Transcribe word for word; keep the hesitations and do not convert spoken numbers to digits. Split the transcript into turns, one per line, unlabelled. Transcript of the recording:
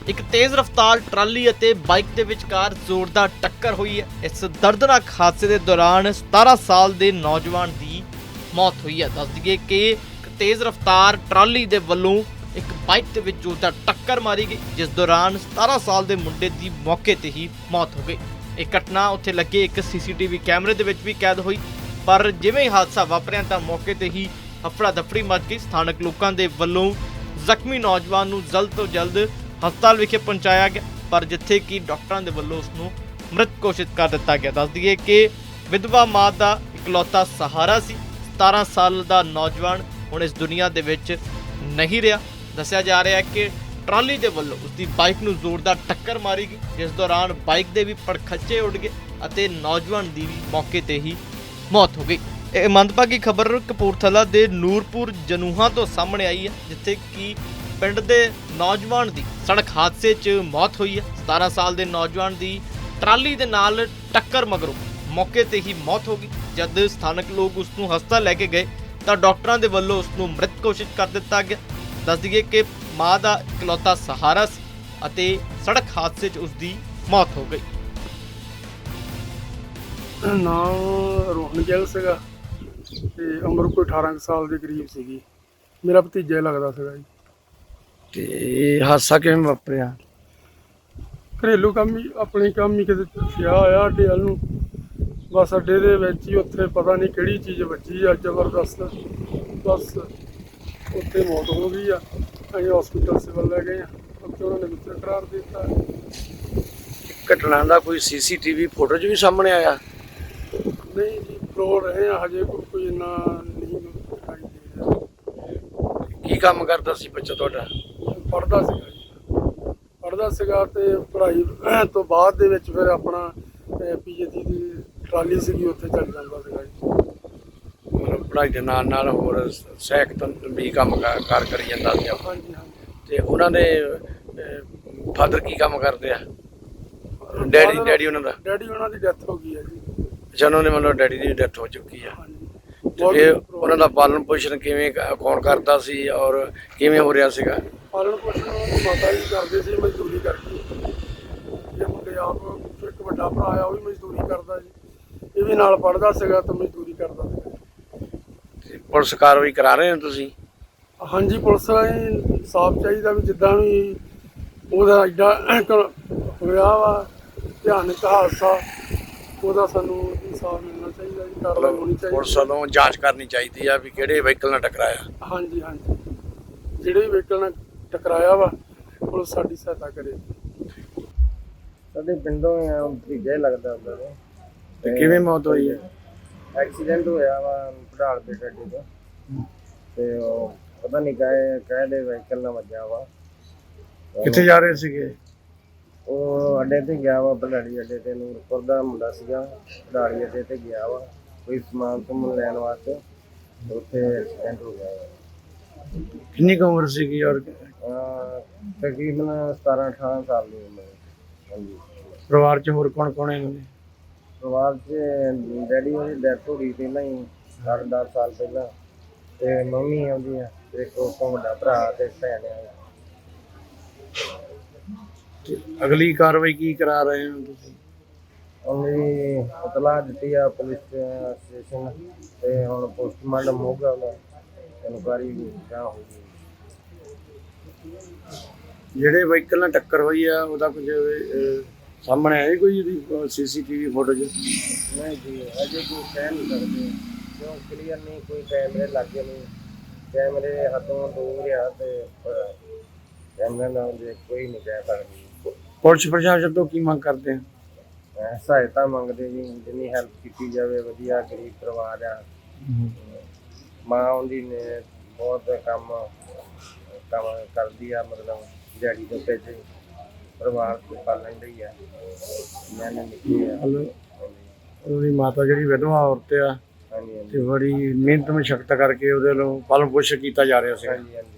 ਇੱਕ ਤੇਜ਼ ਰਫ਼ਤਾਰ ਟਰਾਲੀ ਅਤੇ ਬਾਈਕ ਦੇ ਵਿਚਕਾਰ ਜ਼ੋਰਦਾਰ ਟੱਕਰ ਹੋਈ ਹੈ। ਇਸ ਦਰਦਨਾਕ ਹਾਦਸੇ ਦੇ ਦੌਰਾਨ ਸਤਾਰਾਂ ਸਾਲ ਦੇ ਨੌਜਵਾਨ ਦੀ ਮੌਤ ਹੋਈ ਹੈ। ਦੱਸ ਦਈਏ ਕਿ ਇੱਕ ਤੇਜ਼ ਰਫ਼ਤਾਰ ਟਰਾਲੀ ਦੇ ਵੱਲੋਂ ਇੱਕ ਬਾਈਕ ਦੇ ਵਿੱਚ ਜ਼ੋਰਦਾਰ ਟੱਕਰ ਮਾਰੀ ਗਈ, ਜਿਸ ਦੌਰਾਨ ਸਤਾਰਾਂ ਸਾਲ ਦੇ ਮੁੰਡੇ ਦੀ ਮੌਕੇ ਤੇ ਹੀ ਮੌਤ ਹੋ ਗਈ। ਇਹ ਘਟਨਾ ਉੱਥੇ ਲੱਗੇ ਇੱਕ ਸੀਸੀਟੀਵੀ ਕੈਮਰੇ ਦੇ ਵਿੱਚ ਵੀ ਕੈਦ ਹੋਈ, ਪਰ ਜਿਵੇਂ ਹੀ ਹਾਦਸਾ ਵਾਪਰਿਆ ਤਾਂ ਮੌਕੇ ਤੇ ਹੀ ਹਫੜਾ ਦਫੜੀ ਮਚ ਗਈ। ਸਥਾਨਕ ਲੋਕਾਂ ਦੇ ਵੱਲੋਂ ਜ਼ਖਮੀ ਨੌਜਵਾਨ ਨੂੰ ਜਲਦ ਤੋਂ ਜਲਦ ਹਸਪਤਾਲ ਵਿਖੇ ਪਹੁੰਚਾਇਆ ਗਿਆ, ਪਰ ਜਿੱਥੇ ਕਿ ਡਾਕਟਰਾਂ ਦੇ ਵੱਲੋਂ ਉਸ ਨੂੰ ਮ੍ਰਿਤ ਘੋਸ਼ਿਤ ਕਰ ਦਿੱਤਾ ਗਿਆ। ਦੱਸ ਦਈਏ ਕਿ ਵਿਧਵਾ ਮਾਂ ਦਾ ਇਕਲੌਤਾ ਸਹਾਰਾ ਸੀ। ਸਤਾਰਾਂ ਸਾਲ ਦਾ ਨੌਜਵਾਨ ਹੁਣ ਇਸ ਦੁਨੀਆ ਦੇ ਵਿੱਚ ਨਹੀਂ ਰਿਹਾ। ਦੱਸਿਆ ਜਾ ਰਿਹਾ ਹੈ ਕਿ ਟਰਾਲੀ ਦੇ ਵੱਲੋਂ ਉਸ ਦੀ ਬਾਈਕ ਨੂੰ ਜ਼ੋਰਦਾਰ ਟੱਕਰ ਮਾਰੀ ਗਈ, ਜਿਸ ਦੌਰਾਨ ਬਾਈਕ ਦੇ ਵੀ ਪੜਖੱਚੇ ਉੱਡ ਗਏ ਅਤੇ ਨੌਜਵਾਨ ਦੀ ਵੀ ਮੌਕੇ ਤੇ ਹੀ ਮੌਤ ਹੋ ਗਈ। ਇਹ ਮੰਦਭਾਗੀ ਖਬਰ ਕਪੂਰਥਲਾ ਦੇ ਨੂਰਪੁਰ ਜਨੂਹਾ ਤੋਂ ਸਾਹਮਣੇ ਆਈ ਹੈ, ਜਿੱਥੇ ਕਿ ਪਿੰਡ ਦੇ ਨੌਜਵਾਨ ਦੀ ਸੜਕ ਹਾਦਸੇ 'ਚ ਮੌਤ ਹੋਈ ਹੈ। ਸਤਾਰਾਂ ਸਾਲ ਦੇ ਨੌਜਵਾਨ ਦੀ ਟਰਾਲੀ ਦੇ ਨਾਲ ਟੱਕਰ ਮਗਰੋਂ ਮੌਕੇ ਤੇ ਹੀ ਮੌਤ ਹੋ ਗਈ। ਜਦ ਸਥਾਨਕ ਲੋਕ ਉਸ ਨੂੰ ਹਸਪਤਾਲ ਲੈ ਕੇ ਗਏ ਤਾਂ ਡਾਕਟਰਾਂ ਦੇ ਵੱਲੋਂ ਉਸ ਨੂੰ ਮ੍ਰਿਤ ਘੋਸ਼ਿਤ ਕਰ ਦਿੱਤਾ ਗਿਆ। ਦੱਸ ਦਈਏ ਕਿ ਮਾਂ ਦਾ ਇਕਲੌਤਾ ਸਹਾਰਾ ਸੀ ਅਤੇ ਸੜਕ ਹਾਦਸੇ 'ਚ ਉਸ ਦੀ ਮੌਤ ਹੋ ਗਈ।
ਨਾਮ ਰੋਹਨ ਗਿੱਲ ਸੀਗਾ ਤੇ ਉਮਰ ਕੋਈ ਅਠਾਰਾਂ ਕੁ ਸਾਲ ਦੇ ਕਰੀਬ ਸੀਗੀ। ਮੇਰਾ ਭਤੀਜਾ ਹੀ ਲੱਗਦਾ ਸੀਗਾ ਜੀ।
ਤੇ ਹਾਦਸਾ ਕਿਵੇਂ ਵਾਪਰਿਆ?
ਘਰੇਲੂ ਕੰਮ ਹੀ ਆਪਣੇ ਕੰਮ ਹੀ ਕਿਤੇ ਗਿਆ ਹੋਇਆ ਅੱਡੇ ਵੱਲ ਨੂੰ, ਬਸ ਅੱਡੇ ਦੇ ਵਿੱਚ ਹੀ ਉੱਥੇ ਪਤਾ ਨਹੀਂ ਕਿਹੜੀ ਚੀਜ਼ ਵੱਜੀ ਆ ਜ਼ਬਰਦਸਤ, ਬਸ ਉੱਥੇ ਮੌਤ ਹੋ ਗਈ ਆ। ਅਸੀਂ ਹਸਪੀਟਲ ਸਿਵਲ ਲੈ ਗਏ ਆ, ਉੱਥੇ ਉਹਨਾਂ ਨੇ ਮਿੱਤਰ ਕਰਾਰ ਦੇ ਦਿੱਤਾ।
ਘਟਨਾ ਦਾ ਕੋਈ ਸੀਸੀਟੀਵੀ ਫੋਟੋ 'ਚ ਵੀ ਸਾਹਮਣੇ ਆਇਆ?
ਨਹੀਂ ਜੀ, ਫਰੋਡ ਰਹੇ ਆ ਹਜੇ, ਕੋਈ ਕੋਈ ਇੰਨਾ ਨਹੀਂ ਦਿਖਾਈ ਦੇ ਰਿਹਾ।
ਕੀ ਕੰਮ ਕਰਦਾ ਸੀ ਬੱਚਾ ਤੁਹਾਡਾ?
ਪੜ੍ਹਦਾ ਸੀਗਾ ਜੀ, ਪੜ੍ਹਦਾ ਸੀਗਾ ਤੇ ਪੜ੍ਹਾਈ ਤੋਂ ਬਾਅਦ ਦੇ ਵਿੱਚ ਫਿਰ ਆਪਣਾ ਪੀਜੀਟੀ ਦੀ ਟਰਾਲੀ ਸੀਗੀ, ਉੱਥੇ ਚੱਲ ਜਾਂਦਾ ਸੀਗਾ ਜੀ।
ਮਤਲਬ ਪੜ੍ਹਾਈ ਦੇ ਨਾਲ ਨਾਲ ਹੋਰ ਸਹਾਇਕ ਤਾਂ ਵੀ ਕੰਮ ਕਾਰ ਕਾਰ ਕਰੀ ਜਾਂਦਾ ਸੀ।
ਹਾਂਜੀ ਹਾਂਜੀ।
ਤੇ ਉਹਨਾਂ ਦੇ ਫਾਦਰ ਕੀ ਕੰਮ ਕਰਦੇ ਆ? ਡੈਡੀ ਡੈਡੀ ਉਹਨਾਂ ਦਾ?
ਡੈਡੀ ਉਹਨਾਂ ਦੀ ਡੈਥ ਹੋ ਗਈ ਹੈ ਜੀ।
ਅੱਛਾ, ਉਹਨਾਂ ਦੇ ਮਤਲਬ ਡੈਡੀ ਦੀ ਡੈਥ ਹੋ ਚੁੱਕੀ ਆ।
ਹਾਂਜੀ।
ਤੇ ਫਿਰ ਉਹਨਾਂ ਦਾ ਪਾਲਣ ਪੋਸ਼ਣ ਕਿਵੇਂ ਕ- ਕੌਣ ਕਰਦਾ ਸੀ ਔਰ ਕਿਵੇਂ ਹੋ ਰਿਹਾ ਸੀਗਾ?
ਪਾਲਣ ਪੋਸ਼ਣ ਉਹਨਾਂ ਦੀ ਮਾਤਾ ਜੀ ਕਰਦੇ ਸੀ, ਮਜ਼ਦੂਰੀ ਕਰਕੇ। ਇਹ ਮੁੰਡੇ ਆਪ ਇੱਕ ਵੱਡਾ ਭਰਾ ਆ, ਉਹ ਵੀ ਮਜ਼ਦੂਰੀ ਕਰਦਾ ਜੀ। ਇਹ ਵੀ ਨਾਲ ਪੜ੍ਹਦਾ ਸੀਗਾ ਤੇ ਮਜ਼ਦੂਰੀ ਕਰਦਾ ਸੀਗਾ।
ਤੇ ਪੁਲਿਸ ਕਾਰਵਾਈ ਕਰਾ ਰਹੇ ਹੋ ਤੁਸੀਂ?
ਹਾਂਜੀ, ਪੁਲਿਸ ਨੂੰ ਸਾਫ਼ ਚਾਹੀਦਾ ਵੀ ਜਿੱਦਾਂ ਵੀ ਉਹਦਾ ਐਡਾ ਹੋਇਆ ਵਾ ਭਿਆਨਕ ਹਾਦਸਾ, ਉਹਦਾ ਸਾਨੂੰ ਇਨਸਾਫ ਮਿਲਣਾ ਚਾਹੀਦਾ ਜੀ, ਕਾਰਵਾਈ ਹੋਣੀ ਚਾਹੀਦੀ।
ਪੁਲਿਸ ਵੱਲੋਂ ਜਾਂਚ ਕਰਨੀ ਚਾਹੀਦੀ ਆ ਵੀ ਕਿਹੜੇ ਵਹੀਕਲ ਨਾਲ ਟਕਰਾਇਆ।
ਹਾਂਜੀ ਹਾਂਜੀ, ਜਿਹੜੇ ਵੀ ਵਹੀਕਲ ਨਾਲ ਟਕਰਾਇਆ ਵਾ ਪੁਲਿਸ ਸਾਡੀ ਸਹਾਇਤਾ ਕਰੇ।
ਸਾਡੇ ਪਿੰਡੋਂ ਆ, ਭਤੀਜਾ ਹੀ ਲੱਗਦਾ ਉਹਨਾਂ ਨੂੰ।
ਤੇ ਕਿਵੇਂ ਮੌਤ ਹੋਈ ਹੈ?
ਐਕਸੀਡੈਂਟ ਹੋਇਆ ਵਾ ਪੜਾਲ ਦੇ ਗੱਡੀ ਤੋਂ, ਤੇ ਉਹ ਪਤਾ ਨਹੀਂ ਕਾਹੇ ਕਾਹਦੇ ਵਹੀਕਲ ਨਾਲ ਵੱਜਾ ਵਾ।
ਕਿੱਥੇ ਜਾ ਰਹੇ ਸੀਗੇ?
ਉਹ ਅੱਡੇ ਤੇ ਗਿਆ ਵਾ, ਪੜਾਲੀ ਅੱਡੇ ਤੇ। ਨੂਰਪੁਰ ਦਾ ਮੁੰਡਾ ਸੀਗਾ, ਪੜਾਲੀ ਅੱਡੇ ਤੇ ਗਿਆ ਵਾ ਕੋਈ ਸਮਾਨ ਸਮੂਨ ਲੈਣ ਵਾਸਤੇ, ਉੱਥੇ ਐਕਸੀਡੈਂਟ ਹੋ ਗਿਆ ਵਾ।
ਕਿੰਨੀ ਕੁ ਉਮਰ ਸੀਗੀ ਔਰ
ਅਹ ਤਕਰੀਬਨ ਸਤਾਰਾਂ ਅਠਾਰਾਂ ਸਾਲ ਦੀ ਉਮਰ। ਹਾਂਜੀ।
ਪਰਿਵਾਰ 'ਚ ਹੋਰ ਕੌਣ ਕੌਣ ਹੈ ਇਹਨਾਂ ਦੇ?
ਪਰਿਵਾਰ 'ਚ ਡੈਡੀ ਉਹਦੀ ਡੈਥ ਹੋ ਗਈ ਪਹਿਲਾਂ ਹੀ, ਅੱਠ ਦਸ ਸਾਲ ਪਹਿਲਾਂ, ਤੇ ਮੰਮੀ ਆਉਂਦੀ ਆ, ਤੇ ਇੱਕ ਉਸ ਤੋਂ ਵੱਡਾ ਭਰਾ ਤੇ ਭੈਣ ਆ।
ਤੇ ਅਗਲੀ ਕਾਰਵਾਈ ਕੀ ਕਰਾ ਰਹੇ ਹੋ ਤੁਸੀਂ?
ਉਹਨੇ ਇਤਲਾਹ ਦਿੱਤੀ ਆ ਪੁਲਿਸ ਸਟੇਸ਼ਨ, ਤੇ ਹੁਣ ਪੋਸਟਮਾਰਟਮ ਹੋਊਗਾ, ਉਹਦਾ ਇਨਕੁਆਇਰੀ ਕਿਆ ਹੋਊਗੀ।
ਜਿਹੜੇ ਵਹੀਕਲ ਨਾਲ ਟੱਕਰ ਹੋਈ ਆ ਉਹਦਾ ਕੁਝ ਅਹ, ਸਾਹਮਣੇ ਆਇਆ ਕੋਈ ਉਹਦੀ ਸੀਸੀਟੀਵੀ ਫੋਟੋ 'ਚ?
ਨਹੀਂ ਜੀ, ਅਜੇ ਕੋਈ ਕਹਿ ਨਹੀਂ ਸਕਦੇ ਕਿਉਂ ਕਲੀਅਰ ਨਹੀਂ, ਕੋਈ ਕੈਮਰੇ ਲੱਗੇ ਨਹੀਂ, ਕੈਮਰੇ ਹੱਥੋਂ ਦੂਰ ਆ, ਤੇ ਕੈਮਰੇ ਨਾਲ ਜੇ ਕੋਈ ਨਹੀਂ ਕਹਿ ਸਕਦੀ।
ਪੁਲਿਸ ਪ੍ਰਸ਼ਾਸਨ ਤੋਂ ਕੀ ਮੰਗ ਕਰਦੇ ਆ?
ਸਹਾਇਤਾ ਮੰਗਦੇ ਜੀ, ਜਿੰਨੀ ਹੈਲਪ ਕੀਤੀ ਜਾਵੇ। ਵਧੀਆ ਗਰੀਬ ਪਰਿਵਾਰ ਆ, ਮਾਂ ਉਹਦੀ ਨੇ ਬਹੁਤ ਕੰਮ ਕੰਮ ਕਰਦੀ ਆ, ਮਤਲਬ ਦਿਹਾੜੀ ਤੋਂ ਪੈਸੇ ਪਰਿਵਾਰ ਤੋਂ ਪਾਲਣ ਲਈ ਆ। ਮੈਂ ਨਿੱਕੀ ਆ।
ਉਹਦੀ ਮਾਤਾ ਜਿਹੜੀ ਵਿਧਵਾ ਔਰਤ ਆ
ਹਾਂਜੀ ਹਾਂਜੀ
ਤੇ ਬੜੀ ਮਿਹਨਤ ਮਸ਼ੱਕਤ ਕਰਕੇ ਉਹਦੇ ਵੱਲੋਂ ਪਾਲਣ ਪੋਸ਼ਣ ਕੀਤਾ ਜਾ ਰਿਹਾ ਸੀ।
ਹਾਂਜੀ ਹਾਂਜੀ।